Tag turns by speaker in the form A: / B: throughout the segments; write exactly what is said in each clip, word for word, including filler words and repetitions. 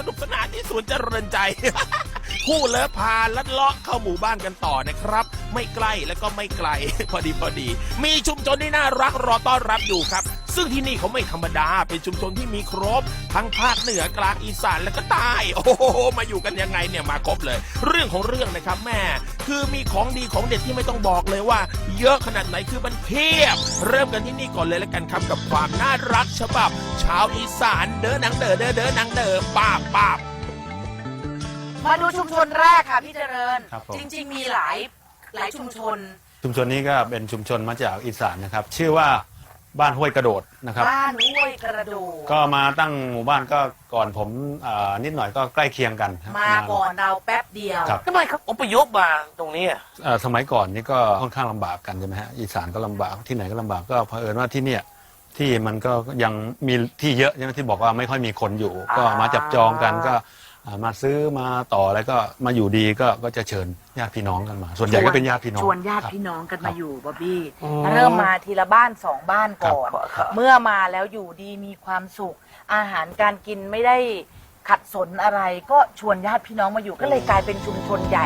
A: นุกสนานที่สวนเจริญใจ คู่เลิฟพาลัดเลาะเข้าหมู่บ้านกันต่อนะครับ ไม่ใกล้แล้วก็ไม่ไกล พอดีพอดีมีชุมชนที่น่ารักรอต้อนรับอยู่ครับซึ่งที่นี่เขาไม่ธรรมดาเป็นชุมชนที่มีครบทั้งภาคเหนือกลางอีสานและก็ใต้โอ้โหมาอยู่กันยังไงเนี่ยมาครบเลยเรื่องของเรื่องนะครับแม่คือมีของดีของเด็ดที่ไม่ต้องบอกเลยว่าเยอะขนาดไหนคือมันเพียบเริ่มกันที่นี่ก่อนเลยแล้วกันครับกับความน่ารักฉบับชาวอีสานเด้อนังเด้อเด้อเด้อนังเด้อป้าบป้าบ
B: มาดูชุมชนแรกค่ะพี่เจริญ
C: ครับผม
B: จริงๆมีหลายหลายชุมชน
C: ชุมชนนี้ก็เป็นชุมชนมาจากอีสานนะครับ ชื่อว่าบ้านห้วยกระโดดนะครับ
B: บ้านห้วยกระโดด
C: ก็มาตั้งหมู่บ้านก็ก่อนผมอ่านิดหน่อยก็ใกล้เคียงกันครับ
B: มาก่อนเราแป๊บเดียว
C: ครับ
A: ทำไมเขาอพยพมาตรงนี้อ่ะ
C: เอ่อสมัยก่อนนี่ก็ค่อนข้างลำบากกันใช่ไหมฮะอีสานก็ลำบากที่ไหนก็ลำบากก็เผอิญว่าที่เนี่ยที่มันก็ยังมีที่เยอะใช่ไหมที่บอกว่าไม่ค่อยมีคนอยู่ ก็มาจับจองกันก็อ่ามาซื้อมาต่อแล้วก็มาอยู่ดีก็ก็จะเชิญญาติพี่น้องกันมา ส่วนใหญ่ก็เป็นญาติพี่น้อง
B: ชวนญาติ
C: ครับ
B: พี่น้องกัน
C: ครั
B: มา
C: บ
B: อยู่บ๊อบบี้เริ่มมาทีละบ้านสองบ้านก่อน
C: ครับ
B: เมื่อมาแล้วอยู่ดีมีความสุข อาหารการกินไม่ได้ขัดสนอะไร ก็ชวนญาติพี่น้องมาอยู่ก็เลยกลายเป็นชุมชนใหญ่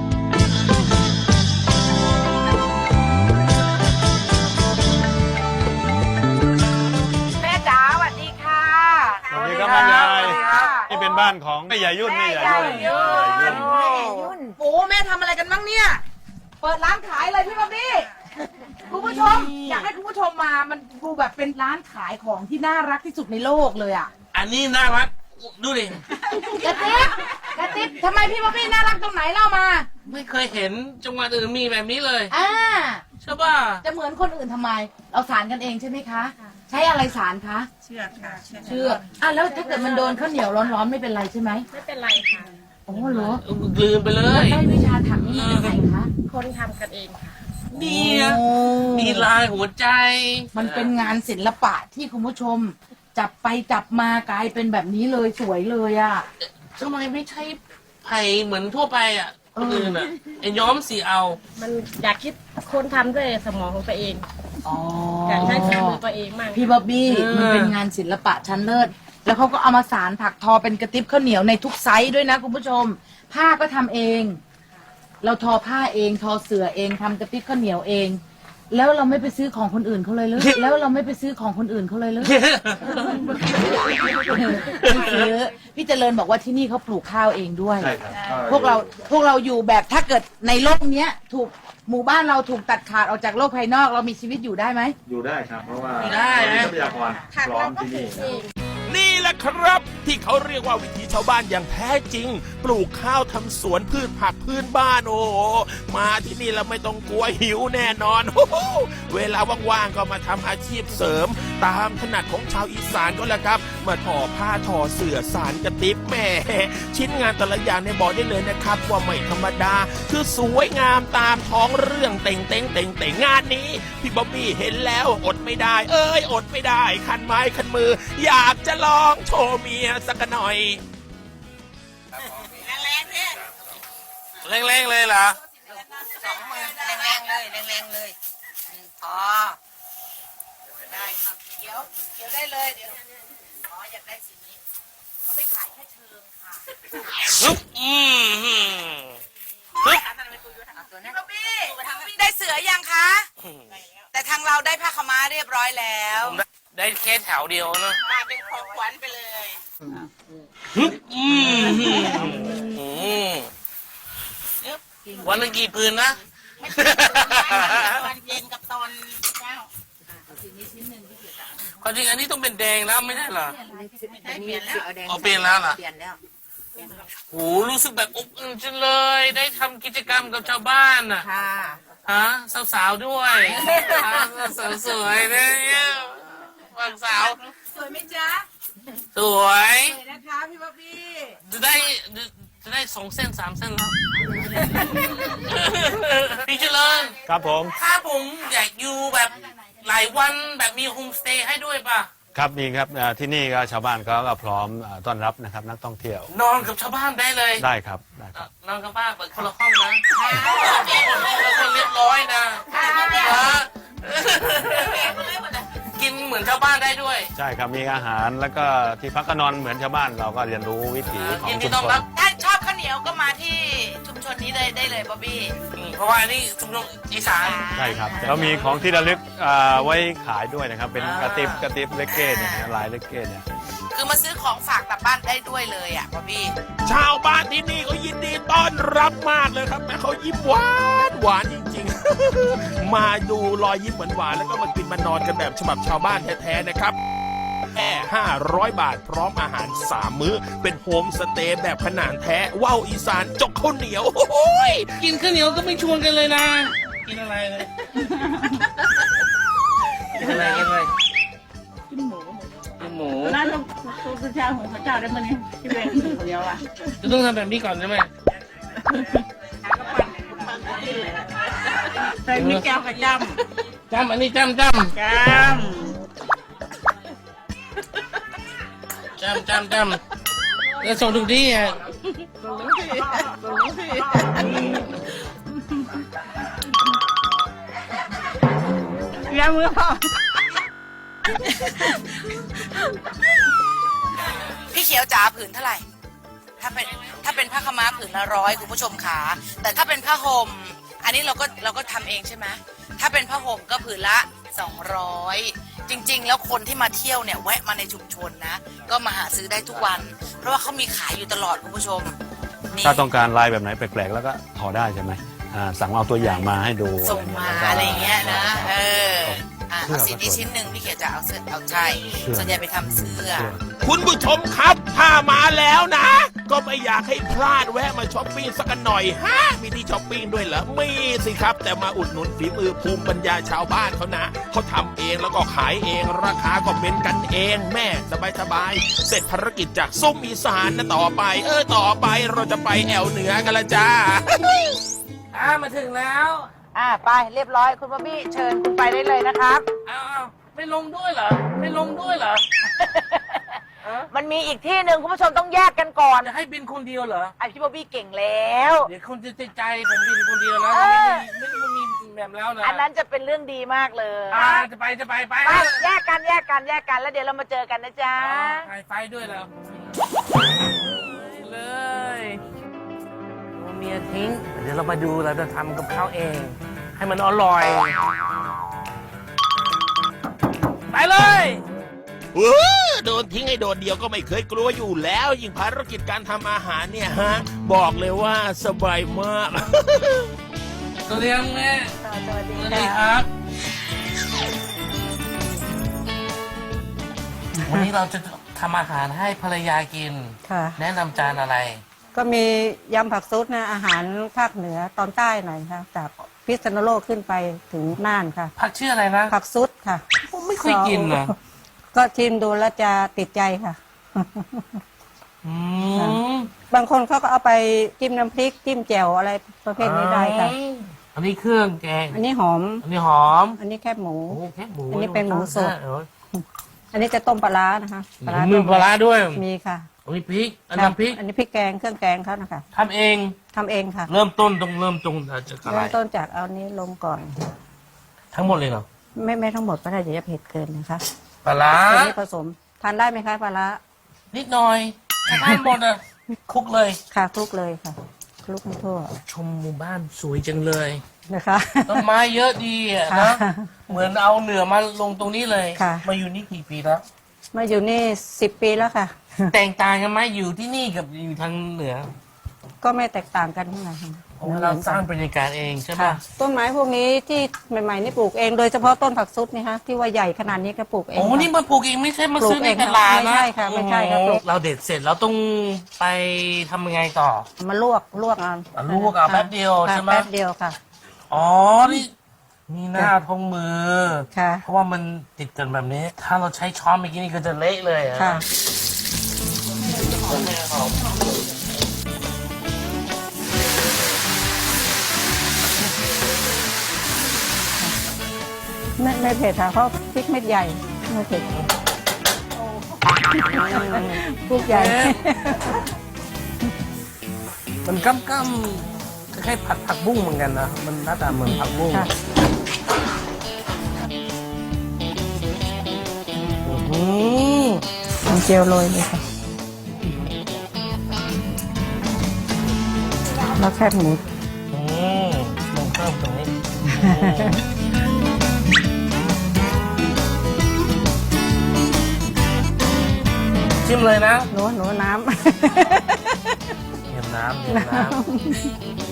B: แม่จ๋าสวัสดีค่ะ
C: สวัสดีครับบ้านยายนี่เป็นบ้านของแม่ยายยุ่นแม่ยายยุ่น
B: แม่ยายยุ่น
C: แม่ยายยุ่น
B: แม่ยุ่นโอ้แม่ทำอะไรกันบ้างเนี่ย เปิดร้านขายเลยพี่บ๊อบบี้คุณผู้ชม อยากให้คุณผู้ชมมา มันดูแบบเป็นร้านขายของที่น่ารักที่สุดในโลกเลยอ่ะ
A: อันนี้น่ารักดูดิ
B: กระติ๊บกระติ๊บทำไมพี่บ๊อบบี้น่ารักตรงไหนเล่ามา
D: ไม่เคยเห็นจังหวัดอื่นมีแบบนี้เลย
B: อ่า
D: ใช่ป่ะ
B: จะเหมือนคนอื่นทำไม เราสารกันเองใช่ไหมคะ ใช้อะไรสารคะ
E: เชือกค่ะ
B: เชือกอ่ะแล้วถ้าเกิดมันโดนข้าวเหนียวร้อนๆไม่เป็นไรใช่ไหม
E: ไม่เป็นไรค่ะ
B: โอ้เหรอ
D: ลืมไปเล
B: แล้ว
D: ย
B: ได้วิชาถักนี่มาจากไหนคะ
E: คนทำกันเองค่ะ
D: เนี่ย
B: โอ้
D: มีลายหัวใจ
B: มันเป็นงานศิลปะที่คุณผู้ชม จับไปจับมากลายเป็นแบบนี้เลยสวยเลยอ่ะ
D: ทำไมไม่ใช่ไผ่เหมือนทั่วไปอ่ะ
B: เอ
D: ค
B: อ
D: นอื่นอ่ะไอ้ย้อมสีเอา
E: มันอยากคิดคนทำด้วยสมองของตัวเอง
B: อ๋อ
E: อยากใช้ฝีมือตัวเองมาก
B: พี่บ๊อบบี้
D: เออ
B: มันเป็นงานศิลปะชั้นเลิศแล้วเขาก็เอามาสารถักทอเป็นกระติบข้าวเหนียวในทุกไซส์ด้วยนะคุณผู้ชม ผ้าก็ทำเอง เราทอผ้าเองทอเสื่อเองทำกระติบข้าวเหนียวเอง แล้วเราไม่ไปซื้อของคนอื่นเขาเลยหรือ แล้วเราไม่ไปซื้อของคนอื่นเขาเลยหรือ ไม่ซื้อพี่เจริญบอกว่าที่นี่เขาปลูกข้าวเองด้วย
C: ใช่ครับ
B: พวกเราพวกเราอยู่แบบถ้าเกิดในโลกเนี้ย ถูกหมู่บ้านเราถูกตัดขาดออกจากโลกภายนอก เรามีชีวิตอยู่ได้ไหม
C: อยู่ได้ครับ เพราะว่า
D: ได้นะ
C: ทรัพยากรพร้อมที่นี่
A: นี่แหละครับที่เขาเรียกว่าวิถีชาวบ้านอย่างแท้จริง ปลูกข้าวทำสวนพืชผักพื้นบ้านโอ้โหมาที่นี่แล้วไม่ต้องกลัวหิวแน่นอนโอ้โหเวลาว่างๆก็มาทำอาชีพเสริม ตามถนัดของชาวอีสานก็แล้วครับ มาทอผ้าทอเสื่อสารกระติบแหม่ชิ้นงานแต่ละอย่างในยบอกได้เลยนะครับว่าไม่ธรรมดา คือสวยงามตามท้องเรื่องเต่งเต่งเต่งเต่งงานนี้พี่บ๊อบบี้เห็นแล้วอดไม่ได้ เอ้ยอดไม่ได้คันไม้คันมือ อยากจะลองโชว์เมียสักหน่อย
D: แรงๆเลยเหรอ
F: สองมือแรงๆเลยแรงๆเลยอืมพอได้ครับเขียวเขียวได้เลยเดี๋ยวอ๋ออยากได้สีนี้เขาไม่ขายแค่เชิงค่ะ
D: ฮึบอืมฮึบฮึบ
F: เอาตัวนั้นพี่พี่ได้เสือยังคะ แต่ทางเราได้ผ้าขาวม้าเรียบร้อยแล้ว
D: ได้แค่แถวเดียวนะ
F: มาเป็นของขวัญไปเลย
D: ฮึบอืมฮึบอืมวันละกี่ปืนนะ
F: ตอนเย็นกับตอนเช้า
D: ความจริงอันนี้ต้องเป็นแดงแล้วไม่ใช่เหรอ
F: ไม่ใช่เปลี่ยนแล้ว
D: อ๋อเปลี่ยนแล้วเหรอ
F: เปลี่ยนแล้ว
D: โหรู้สึกแบบอบอุ่นจังเลย ได้ทำกิจกรรมกับชาวบ้านอ่ะ
F: ค่ะ
D: ฮะสาวๆด้วยสาวสวยๆเนี่ยฝั่งสาว
F: สวยไหมจ๊ะ
D: สวย
F: สวยนะคะพี่บ๊อบบี้
D: จะได้จะได้สองเส้นสามเส้นแล้ว พี่เจริญ
C: ครับผม
D: ถ้าผมอยากอยู่แบบหลายวันแบบมีโฮมสเตย์ให้ด้วยป่ะ
C: ครับมีครับอ่าที่นี่ก็ชาวบ้านเขาก็พร้อมอ่าต้อนรับนะครับนักท่องเที่ยวน
D: อนกับชาวบ้านได้เลย
C: ได้ครับได้ครับ
D: นอนกับบ้านเปิดคนละห้องนะคนเรียบร้อยนะฮะกินเหมือนชาวบ้านได้ด้วย
C: ใช่ครับมีอาหารแล้วก็ที่พักก็นอนเหมือนชาวบ้านเราก็เรียนรู้วิถีของ
D: ยินดี
C: ชุม
D: ต้อน
C: ชน
D: รับ
F: ถ้าชอบข้าวเหนียวก็มาที่ชุมชนนี้เลยได้เลยบ๊อบบี้
D: อืมเพราะว่าอันนี้ชุมชนอีสาน
C: ใช่ครับแล้วมีของที่ระลึกอ่าไว้ขายด้วยนะครับ เป็นกระติบกระติบเลกเก้เนี่ยนะลายเลกเก้เนี่ย
F: คือมาซื้อของฝากกลับบ้านได้ด้วยเลยอ่ะบ๊อบบี้
A: ชาวบ้านที่นี่ก็ยินดีต้อนรับมากเลยครับแม่เขายิ้มหวานหวานจริงๆ มาดูรอยยิ้มหวานๆแล้วก็มากินมานอนกันแบบฉบับชาวบ้านแท้ๆนะครับแค่ห้าร้อยบาทพร้อมอาหารสามมื้อ เป็นโฮมสเตย์แบบขนาดแท้ว่าวอีสานจกข้าวเหนียวโอ้ย
D: กินข้าวเหนียวก็ไม่ชวนกันเลยนะ กินอะไรเลยกินอะไรกินอะไร
E: กินหมู
D: กินหมู
E: ร้านตู้ตู้เช้าของพระเจ้าได้มาเนี่ยที่เป็นหมูคนเดียวอ่ะ
D: จะต้องทำแบบนี้ก่อนใช่ไหม
E: ใส่มีแก้วกระจ
D: จำอันนี้จำจ
E: ำจำ
D: ำจำจำจำแล้วส่งทุกที่อ่ะ
E: ส่งลูกพี่ส่งลูกพี่ยามือพ่อ
F: พี่เขียวจ๋าผืนเท่าไหร่ ถ้าเป็นถ้าเป็นผ้าขาวม้าผืนละร้อยคุณผู้ชมขาแต่ถ้าเป็นผ้าห่มอันนี้เราก็เราก็ทำเองใช่ไหมถ้าเป็นผ้าห่มก็ผืนละสองร้อยจริง ๆ แล้วคนที่มาเที่ยวเนี่ยแวะมาในชุมชนนะ ก็มาหาซื้อได้ทุกวัน เพราะว่าเขามีขายอยู่ตลอดคุณผู้ชมนี่
C: ถ้าต้องการลายแบบไหนแปลกๆแล้วก็ทอได้ใช่ไหมอ่าสั่งเอาตัวอย่างมาให้ดู
F: ส่งมาอะไรอย่างเงี้ยนะเอออ่ะ
C: เสื้อ
F: เอาสีนี้
C: ก็สวย
F: ชิ้นหนึ่งพี่เขียวจะเอาเสื้อเอาใช่
C: เสื้อ
F: ส่วนใหญ่ไปทำเสื้อ
A: คุณผู้ชมครับถ้ามาแล้วนะ ก็ไม่อยากให้พลาดแวะมาช้อปปิ้งสักหน่อยฮะมีที่ช้อปปิ้งด้วยเหรอมีสิครับ แต่มาอุดหนุนฝีมือภูมิปัญญาชาวบ้านเขานะเขาทำเองแล้วก็ขายเองราคาก็เป็นกันเองแม่สบายๆเสร็จภารกิจจากซุ้มอีสานนะต่อไป เออต่อไปเราจะไปแอวเหนือกันละจ้า
D: อ่ามาถึงแล้ว
F: อ่าไปเรียบร้อยคุณบ๊อบบี้เชิญคุณไปได้เลยนะครับ
D: เอาเอาไม่ลงด้วยเหรอ ไม่ลงด้วยเหรอ
F: มันมีอีกที่หนึ่งคุณผู้ชมต้องแยกกันก่อน
D: จะให้บินคนเดียวเหรอ
F: ไอพี่บ๊อบบี้เก่งแล้ว
D: เดี๋ยวคนจะติดใจผมบินคนเดียวนะ
F: เออ
D: ไม่ได้มีแบบแล้วนะ
F: อันนั้นจะเป็นเรื่องดีมากเลย
D: อ่าจะไปจะไปไป
F: ไปแยกกันแยกกันแยกกันแล้วเดี๋ยวเรามาเจอกันนะจ๊ะ
D: ไปไฟด้วยแล้วเลยเมียทิ้ง เดี๋ยวเรามาดูเราจะทำกับข้าวเอง ให้มันอร่อย ไปเลย
A: เออโดนทิ้งให้โดดเดียวก็ไม่เคยกลัวอยู่แล้ว ยิ่งภารกิจการทำอาหารเนี่ยฮะ บอกเลยว่าสบายมาก
D: สวัสดีครับแม่
F: สวัสดี
D: สวัสดี
F: ค่ะ
D: ครับ วันนี้เราจะทำอาหารให้ภรรยากิน
G: ค่ะ
D: แนะนำจานอะไร
G: ก็มียำผักซุดนะอาหารภาคเหนือตอนใต้หน่อยค่ะจากพิษณุโลกขึ้นไปถึงน่านค่ะ
D: ผักชื่ออะไรนะ
G: ผักซุดค่ะ
D: ผมไม่เคยกินนะ
G: ก็ชิมดูแล้วจะติดใจค่ะ
D: อืม
G: บางคนเขาก็เอาไปจิ้มน้ำพริกจิ้มแจ่วอะไรประเภทนี้ได้ค่ะ
D: อันนี้เครื่องแกง
G: อันนี้หอม
D: อันนี้หอม
G: อันนี้แคบหมู
D: โอ้แค่หมู
G: อันนี้เป็นหมูสด
D: เออ
G: อันนี้จะต้มปลาร้านะคะ
D: มีปลาร้าด้วย
G: มีค่ะ
D: อันนี้พริก อันน้ำพริก
G: อันนี้พริกแกงเครื่องแกงเขานะคะ
D: ทำเอง
G: ทำเองค่ะ
D: เริ่มต้นต้องเริ่มตรงจากอะไร
G: เริ่มต้นจากเอานี้ลงก่อน
D: ทั้งหมดเลยเหรอ
G: ไม่ไม่ทั้งหมดก็ได้เดี๋ยวจะเผ็ดเกินนะคะ
D: ปลาร้า
G: อันนี้ผสมทานได้ไหมคะปลาร้า
D: นิดหน่อยถ้าทานหมดอ่ะคลุกเลย
G: ค่ะคลุกเลยค่ะคลุกให้ทั่ว
D: ชมหมู่บ้านสวยจังเลย
G: นะคะ
D: ต้นไม้เยอะดีอ่ะ
G: ค่ะ
D: นะเหมือนเอาเหนือมาลงตรงนี้เลย
G: ค่ะ
D: มาอยู่นี่กี่ปีแล้ว
G: มาอยู่นี่สิบปีแล้วค่ะ
D: แตกต่างกันไหมอยู่ที่นี่กับอยู่ทางเหนือ
G: ก็ไม่แตกต่างกันเท่าไหร่ค่ะ
D: เพราะว่าเราสร้างบรรยากาศเองใช่ไหม
G: ค่ะ ต้นไม้พวกนี้ที่ใหม่ๆนี่ปลูกเองโดยเฉพาะต้นผักซุดนี่ฮะที่ว่าใหญ่ขนาดนี้ก็ปลูกเอง
D: โอ้
G: ค่ะ
D: นี่มาปลูกเองไม่ใช่มาซื้อ
G: ปลูก
D: ใน
G: เอง
D: ตลาด
G: ไม่
D: นะ
G: ใช่ค่ะไม่ใช่ค่ะ
D: โอ้
G: ปลูก
D: เราเด็ดเสร็จเราต้องไปทำยังไงต่อ
G: มาลวกลวกเอา
D: อ่ะลวกเอาแป๊บเดียว
G: ค่ะ
D: ใช่ไหม
G: แป๊บเดียวค่ะ
D: อ๋อ นี่มีหน้าทงมือ
G: ค่ะ
D: เพราะว่ามันติดกันแบบนี้ ถ้าเราใช้ช้อนเมื่อกี้นี่ก็จะเละเลยอะ
G: ค่ะ ไม่ไม่เผ็ดค่ะเพราะพริกเม็ดใหญ่ไม่เผ็ดพริกใหญ่
D: มันก้ำก้ำคล้ายๆผัดผักบุ้งเหมือนกันนะ มันหน้าตาเหมือนผักบุ้ง
G: ค่ะ
D: อืม
G: น้ำเจียวโรยเลยค่ะแล้วแคบหมู
D: อืมลงเพิ่มตรงนี้จิ้มเลยนะ
G: หนูหนูน้
D: เยี่ยมน้ำเยี่ยมน้ำ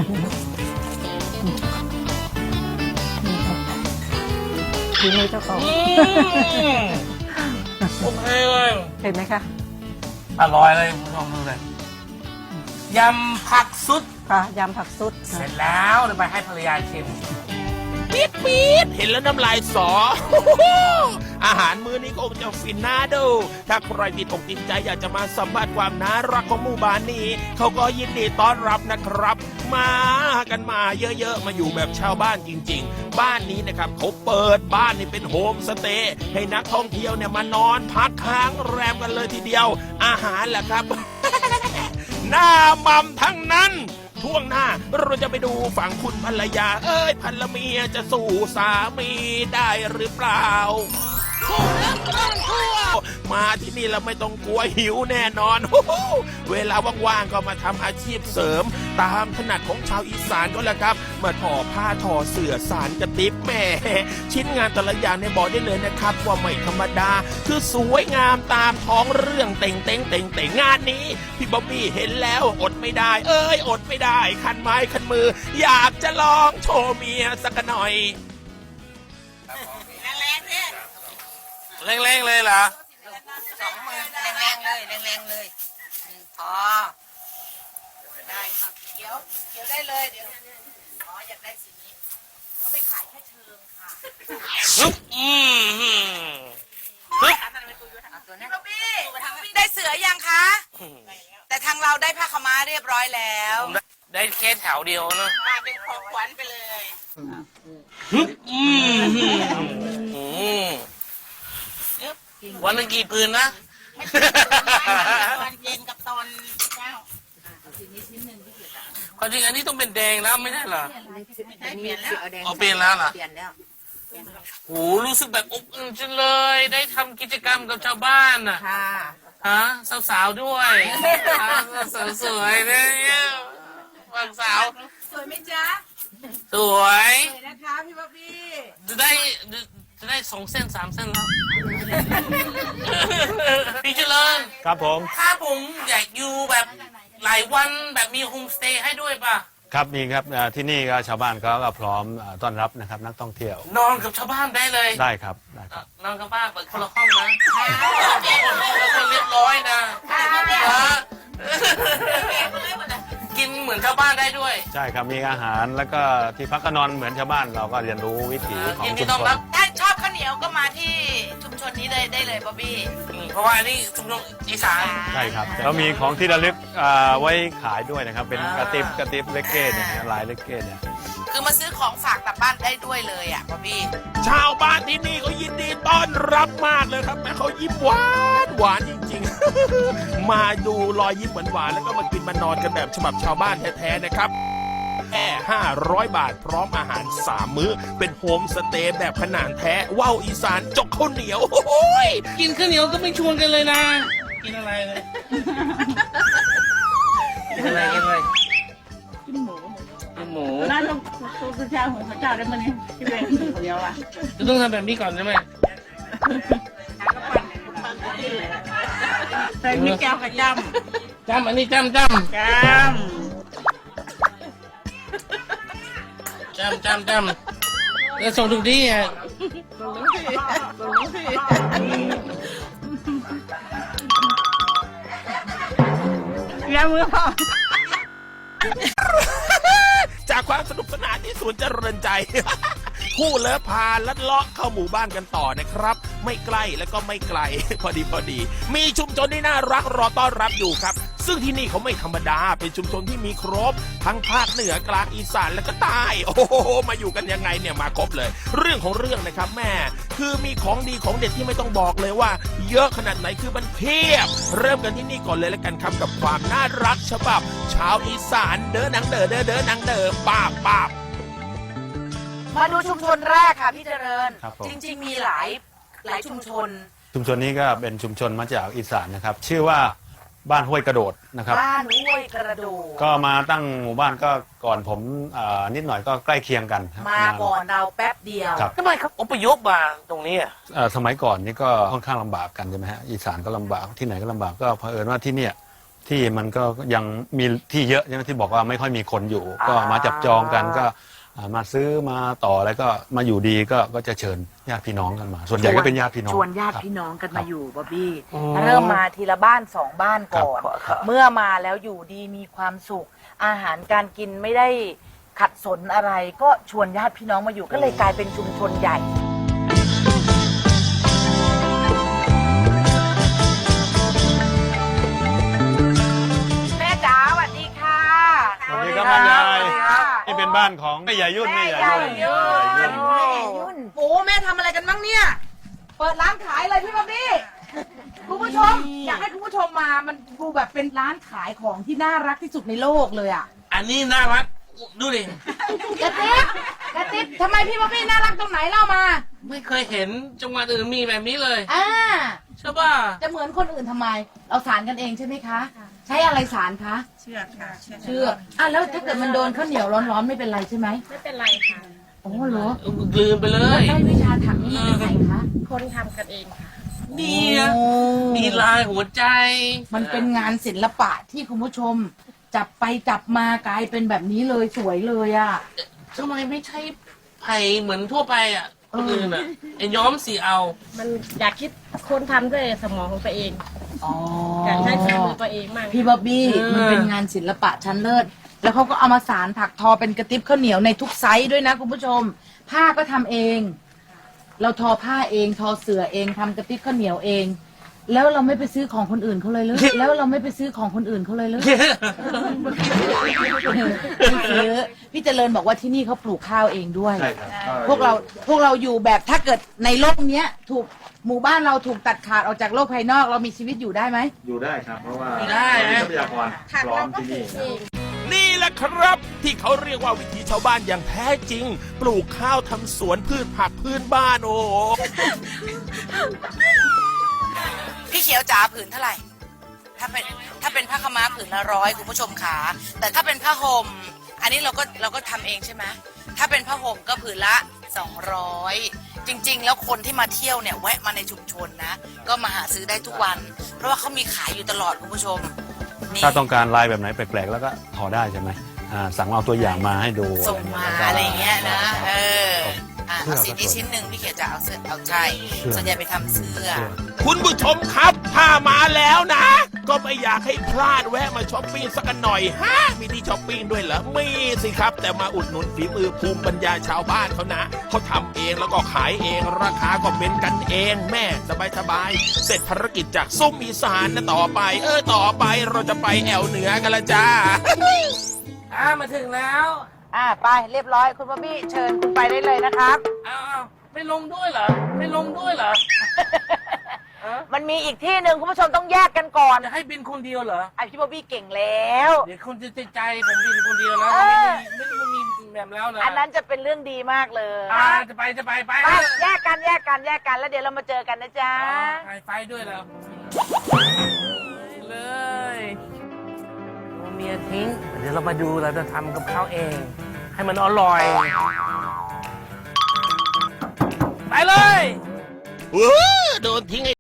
G: ำทีนี้เจ้าของ
D: อืมโอเคเลย
G: เห็นไหมคะ
D: อร่อยเลยลองดูเลยยำผักซุด
G: ค่ะยำผักซุด
D: เสร็จแล้วเดี๋ยวไปให้ภรรยาชิม
A: ปี๊ดปี๊ดเห็นแล้วน้ำลายสอ อาหารมื้อนี้ก็คงจะฟินน่าดู ถ้าใครติดอกติดใจอยากจะมาสัมผัสความน่ารักของหมู่บ้านนี้ เขาก็ยินดีต้อนรับนะครับ มากันมาเยอะๆ มาอยู่แบบชาวบ้านจริงๆ บ้านนี้นะครับเขาเปิดบ้านนี่เป็นโฮมสเตย์ให้นักท่องเที่ยวเนี่ยมานอนพักค้างแรมกันเลยทีเดียว อาหารแหละครับ หน้ามัมทั้งนั้น ช่วงหน้าเราจะไปดูฝั่งคุณภรรยา เอ้ยภรรเมียจะสู้สามีได้หรือเปล่าคู่รักต้องทั่วมาที่นี่เราไม่ต้องกลัวหิวแน่นอน เวลาว่างๆก็มาทำอาชีพเสริม ตามถนัดของชาวอีสานก็แล้วครับ มาทอผ้าทอเสื่อสารกระติบแหม่ชิ้นงานแต่ละอย่างในบอกได้เลยนะครับ ว่าไม่ธรรมดา คือสวยงามตามท้องเรื่องเต่งเต่งเต่งเต่งงานนี้ พี่บ๊อบบี้เห็นแล้วอดไม่ได้ เอ้ยอดไม่ได้ คันไม้คันมือ อยากจะลองโชว์เมียสักหน่อย
F: แรงๆเนี่ย
D: เร่งๆเลยเหรอ
F: สองมือแรงๆเลยแรงๆเลยอืมพอได้ครับเขียวเขียวได้เลยเดี๋ยวอ๋ออยากได้สีนี้เขาไม่ขายแค่เชิงค่ะ
D: อืมฮึ่ม
F: พี่บ๊อบบี้ได้เสือยังคะ แต่ทางเราได้ผ้าขาวม้าเรียบร้อยแล้ว
D: ผมได้ได้แค่แถวเดียวนะ
F: มาเป็นของขวัญไปเลย
D: อืมฮึ่มอืมวันละกี่ปืนนะ
F: ตอนเย็นกับตอนเช้า
D: ความจริงอันนี้ต้องเป็นแดงแล้วไม่ใช่เหรอ
F: ได้เปลี่ยนแล้ว
D: เอาเปลี่ยนแล้วเหรอ
F: เปลี่ยนแล้ว
D: โหรู้สึกแบบอบอุ่นจังเลย ได้ทำกิจกรรมกับชาวบ้านน่ะ
F: ค่ะ
D: ฮะสาวๆด้วยฮะสาวสวยๆเนี่ยฝั่งสาว
F: สวยไหมจ๊ะ
D: สวย
F: สวยนะคะพี่บ๊อบบี้
D: จะได้จะได้สองเส้นสามเส้นแล้ว พี่เจริญ
C: ครับผม
D: ถ้าผมอยากอยู่แบบหลายวันแบบมีโฮมสเตย์ให้ด้วยป่ะ
C: ครับนี่ครับอ่าที่นี่ก็ชาวบ้านเขาก็พร้อมอ่าต้อนรับนะครับนักท่องเที่ยวน
D: อนกับชาวบ้านได้เลย
C: ได้ครับได้ครับ
D: นอนกับบ้านเปิดคนละห้องนะคนเรียบร้อยนะฮะกินเหมือนชาวบ้านได้ด้วย
C: ใช่ครับมีอาหารแล้วก็ที่พักก็นอนเหมือนชาวบ้านเราก็เรียนรู้วิถีของ
D: ยินดี
C: ชุม
D: ต้อน
C: ชน
D: รับ
F: ถ้าชอบข้าวเหนียวก็มาที่ชุมชนนี้เลยได้เลยบ๊อบบี้
D: อืมเพราะว่าอันนี้ชุมชนอีสาน
C: ใช่ครับแล้วมีของที่ระลึกอ่าไว้ขายด้วยนะครับ เป็นกระติบกระติบเลกเก้เนี่ยนะลายเลกเก้เนี่ย
F: คือมาซื้อของฝากกลับบ้านได้ด้วยเลยอ่ะบ๊อบบี้
A: ชาวบ้านที่นี่เขายินดีต้อนรับมากเลยครับแม่เขายิ้มหวานหวานจริงๆ มาดูรอยยิ้มหวานๆแล้วก็มากินมานอนกันแบบฉบับชาวบ้านแท้ๆนะครับแค่ห้าร้อยบาทพร้อมอาหารสามมื้อ เป็นโฮมสเตย์แบบขนาดแท้ว่าวอีสานจกข้าวเหนียวโอ้ย
D: กินข้าวเหนียวก็ไม่ชวนกันเลยนะ กินอะไรเลยกินอะไรกินอะไร
E: กินหมู
D: กินหมู
E: ร้านต้องตัวเช้าของพระเจ้าได้มั้ยเนี่ยพี่เวงคนเดียวอ่ะ
D: จะต้องทำแบบนี้ก่อนใช่ไหม
E: ใส่มีแก้วกับจ
D: จำอันนี้จำจ
E: ำจำ
D: ำจำจำจำแล้วส่งทุกที่อ่ะ
E: ยามือพ่อ
A: จากความสนุกสนานที่สวนเจริญใจ คู่เลิฟพาลัดเลาะเข้าหมู่บ้านกันต่อนะครับ ไม่ใกล้แล้วก็ไม่ไกล พอดีพอดี มีชุมชนที่น่ารักรอต้อนรับอยู่ครับ ซึ่งที่นี่เขาไม่ธรรมดา เป็นชุมชนที่มีครบ ทั้งภาคเหนือกลางอีสานและก็ใต้ โอ้โหมาอยู่กันยังไงเนี่ยมาครบเลย เรื่องของเรื่องนะครับแม่ คือมีของดีของเด็ดที่ไม่ต้องบอกเลยว่า เยอะขนาดไหนคือมันเพียบ เริ่มกันที่นี่ก่อนเลยแล้วกันครับกับความน่ารักฉบับ ชาวอีสานเด้อนังเด้อเด้อเด้อนังเด้อป้าบป้าบ
B: มาดูชุมชนแรกค่ะพี่เจริญ
C: ครับผม
B: จริงๆมีหลายหลายชุมชน
C: ชุมชนนี้ก็เป็นชุมชนมาจากอีสานนะครับ ชื่อว่าบ้านห้วยกระโดดนะครับ
B: บ้านห้วยกระโดด
C: ก็มาตั้งหมู่บ้านก็ก่อนผมอ่านิดหน่อยก็ใกล้เคียงกันครับ
B: มาก่อนเราแป๊บเดียว
C: ครับ
D: ทำไมเขาอพยพมาตรงนี้อ่ะ
C: เอ่อสมัยก่อนนี่ก็ค่อนข้างลำบากกันใช่ไหมฮะอีสานก็ลำบากที่ไหนก็ลำบากก็เผอิญว่าที่เนี่ยที่มันก็ยังมีที่เยอะใช่ไหมที่บอกว่าไม่ค่อยมีคนอยู่ ก็มาจับจองกันก็อ่ามาซื้อมาต่อแล้วก็มาอยู่ดีก็ก็จะเชิญญาติพี่น้องกันมา ส่วนใหญ่ก็เป็นญาติพี่น้อง
B: ชวนญาติ
C: ครับ
B: พี่น้องกัน
C: ครั
B: มา
C: บ
B: อยู่บ๊อบบี้
D: อืม
B: เริ่มมาทีละบ้านสองบ้านก่อน
D: ครับครับ
B: เมื่อมาแล้วอยู่ดีมีความสุข อาหารการกินไม่ได้ขัดสนอะไร ก็ชวนญาติพี่น้องมาอยู่ก็เลยกลายเป็นชุมชนใหญ่ แม่จ๋าสวัสดีค่ะ
C: สวัสดีครับบ้านยาย
B: สวัสดีค่ะ
C: นี่เป็นบ้านของแม่ใหญ่ยุ่น
B: แม่
C: แม่
B: ใหญ่
C: ใหญ่
B: ยุ่
C: ยุ่
B: น
C: น
B: แม่ใหญ่ยุ่นโอ้แม่ทำอะไรกันบ้างเนี่ย เปิดร้านขายเลยพี่บ๊อบบี้คุณผู้ชม อยากให้คุณผู้ชมมา มันดูแบบเป็นร้านขายของที่น่ารักที่สุดในโลกเลยอ่ะ
D: อันนี้น่ารักดูดิ
B: กระติ๊บกระติ๊บทำไมพี่บ๊อบบี้น่ารักตรงไหนเล่ามา
D: ไม่เคยเห็นจังหวัดอื่นมีแบบนี้เลย
B: อ่า
D: ใช่ป่ะ
B: จะเหมือนคนอื่นทำไม เราสารกันเองใช่ไหมคะ ใช้อะไรสารคะ
E: เชือกค่ะ
B: เชือกอ่ะแล้วถ้าเกิดมันโดนข้าวเหนียวร้อนๆไม่เป็นไรใช่ไหม
E: ไม่เป็นไรค่ะ
B: โอ้เหรอ
D: ลืมไปเลย
B: ได้วิชาถักนี่มาจากไหนคะ
E: คนทำกันเองค่ะ
D: เนี่ย
B: โอ้
D: มีลายหัวใจ
B: มันเป็นงานศิลปะที่คุณผู้ชม จับไปจับมากลายเป็นแบบนี้เลยสวยเลยอ่ะ
D: ทำไมไม่ใช่ไผ่เหมือนทั่วไปอ่ะ
B: เอ
D: ค
B: อ
D: นอื่นอ่ะไอ้ย้อมสีเอา
E: มันอยากคิดคนทำด้วยสมองของตัวเอง
B: อ๋อ
E: อยากใช้ฝีมือตัวเองมั่ง
B: พี่บ๊อบบี้
D: เออ
B: มันเป็นงานศิลปะชั้นเลิศแล้วเขาก็เอามาสารถักทอเป็นกระติบข้าวเหนียวในทุกไซส์ด้วยนะคุณผู้ชม ผ้าก็ทำเอง เราทอผ้าเองทอเสื่อเองทำกระติบข้าวเหนียวเอง แล้วเราไม่ไปซื้อของคนอื่นเขาเลยเลย แล้วเราไม่ไปซื้อของคนอื่นเขาเลยเลยไม่ซื้อพี่เจริญบอกว่าที่นี่เขาปลูกข้าวเองด้วย
C: ใช่ครับ
B: พวกเราพวกเราอยู่แบบถ้าเกิดในโลกเนี้ย ถูกหมู่บ้านเราถูกตัดขาดออกจากโลกภายนอกเรามีชีวิตอยู่ได้ไหม
C: อยู่ได้ครับ เพราะว่า
D: ได้นะ
C: ทรัพยากรพร้อมที่นี่
A: นี่แหละครับที่เขาเรียกว่าวิถีชาวบ้านอย่างแท้จริง ปลูกข้าวทำสวนพืชผักพื้นบ้านโอ้โห
F: พี่เขียวจ๋าผืนเท่าไหร่ ถ้าเป็นถ้าเป็นผ้าขาวม้าผืนละร้อยคุณผู้ชมขาแต่ถ้าเป็นผ้าห่มอันนี้เราก็เราก็ทำเองใช่ไหมถ้าเป็นผ้าห่มก็ผืนละสองร้อยจริง ๆ แล้วคนที่มาเที่ยวเนี่ยแวะมาในชุมชนนะ ก็มาหาซื้อได้ทุกวัน เพราะว่าเขามีขายอยู่ตลอดคุณผู้ชมนี่
C: ถ้าต้องการลายแบบไหนแปลกๆ แล้วก็ทอได้ใช่ไหมอ่าสั่งเอาตัวอย่างมาให้ดู
F: ส่งมา
C: แล้วก็
F: อะไรอย่างเงี้ยนะ เอออ่ะ
C: เสื้อ
F: เอาสี
C: ก็
F: นี้
C: สวย
F: ชิ้นหนึ่งพี่เขียวจะเอาเสื้อเอาใจ
C: เสื้อ
F: ส่วนใหญ่ไปทำเสื้อ
A: คุณผู้ชมครับถ้ามาแล้วนะ ก็ไม่อยากให้พลาดแวะมาช้อปปิ้งสักหน่อยฮะมีที่ช้อปปิ้งด้วยเหรอมีสิครับ แต่มาอุดหนุนฝีมือภูมิปัญญาชาวบ้านเขานะเขาทำเองแล้วก็ขายเองราคาก็เป็นกันเองแม่สบายสบายๆเสร็จภารกิจจากซุ้มอีสานนะต่อไป เออต่อไปเราจะไปแอวเหนือกันละจ้า
D: อ่ามาถึงแล้ว
B: อ่าไปเรียบร้อยคุณบ๊อบบี้เชิญคุณไปได้เลยนะครับ
D: อ้าวไม่ลงด้วยเหรอ ไม่ลงด้วยเหรอ
B: มันมีอีกที่หนึ่งคุณผู้ชมต้องแยกกันก่อน
D: จะให้บินคนเดียวเหรอ
B: ไอพี่บ๊อบบี้เก่งแล้ว
D: เดี๋ยวคนจะติดใจผมบินคนเดียวแล้ว
B: เออ
D: ไม่มีไม่มีแบบแล้วนะ
B: อันนั้นจะเป็นเรื่องดีมากเลย
D: อ่าจะไปจะไปไป
B: ไปแยกกันแยกกันแยกกันแล้วเดี๋ยวเรามาเจอกันนะจ๊ะ
D: ไฟไฟด้วยแล้วเลย เมียทิ้ง เดี๋ยวเรามาดูเราจะทำกับข้าวเอง ให้มันอร่อย ไปเลย
A: เออโดนทิ้ง